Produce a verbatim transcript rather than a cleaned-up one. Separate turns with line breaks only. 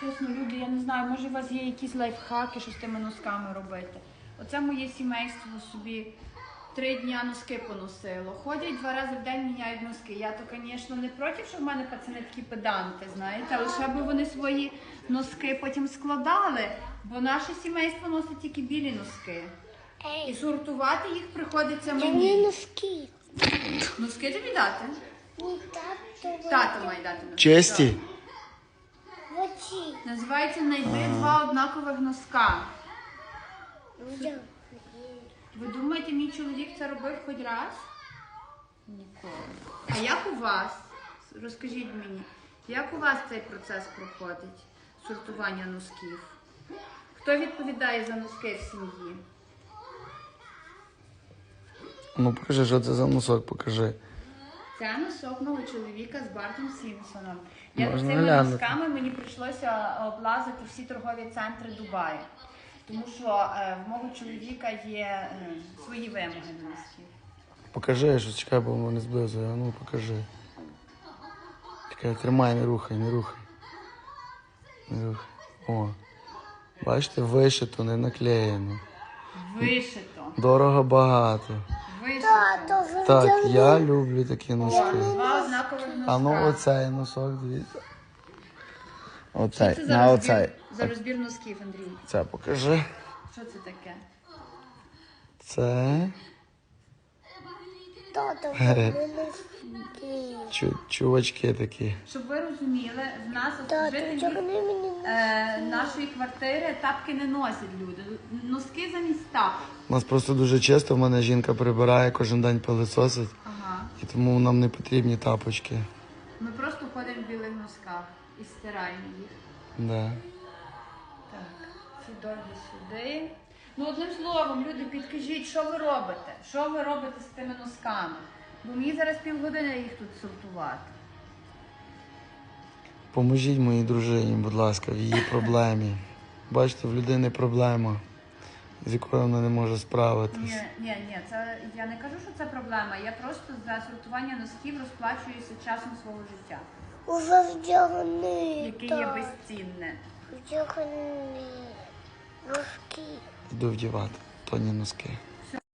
Чесно, люди, я не знаю, може у вас є якісь лайфхаки, що з тими носками робити. Оце моє сімейство собі три дня носки поносило. Ходять два рази в день, міняють носки. Я то, звісно, не проти, що в мене пацани такі педанти, знаєте, але ще би вони свої носки потім складали, бо наше сімейство носить тільки білі носки. І сортувати їх приходиться
Мені
мені.
носки.
Носки тобі дати?
Ні, тато.
Тато має дати носки.
Честі?
Воді.
Називається «Найди два однакових носка».
Я.
Ви думаєте, мій чоловік це робив хоч раз? Ніколи. А як у вас? Розкажіть мені, як у вас цей процес проходить? Сортування носків? Хто відповідає за носки в сім'ї?
Ну покажи, що це за носок, покажи.
Це носок мого чоловіка з Бартом Сімпсоном. Я
Можна
цими
глянути.
носками мені прийшлося облазити всі торгові центри Дубаю. Тому що е, в мого чоловіка є е, свої вимоги до носків.
Покажи, що чекай, бо воно не зблизує. А ну покажи. Чекай, тримай, не рухай, не рухай. Не рухай. О. Бачите, вишито, не наклеєно.
Вишито.
Дорого багато.
Вишито.
Тато,
Так, я люблю такі
О,
носки.
два однакових носка.
А ну оцей носок, дивіться.
Що
Оцей,
це за
на
розбір,
оцей.
за розбір носків, Андрій?
Це покажи.
Що це таке?
Це
тато, мені носки.
чу- чувачки такі.
Щоб ви розуміли, в нас
Тато,
жителі
чого мені носки?
е, нашої квартири тапки не носять люди. Носки замість тапок.
У нас просто дуже чисто, в мене жінка прибирає, кожен день пилисосить.
Ага.
І тому нам не потрібні тапочки.
Ми просто ходимо в білих носках і стираємо їх.
Да.
Так, ці довгі сюди. Ну, одним словом, люди, підкажіть, що ви робите? Що ви робите з тими носками? Бо мені зараз півгодини їх тут сортувати.
Поможіть моїй дружині, будь ласка, в її проблемі. Бачите, в людини проблема, з якою вона не може справитись.
Ні, ні, ні, це я не кажу, що це проблема. Я просто за сортування носків розплачуюся часом свого життя,
Уже вдягни.
яке є безцінне.
Вдягни. Носки.
Йду вдівати тоні носки.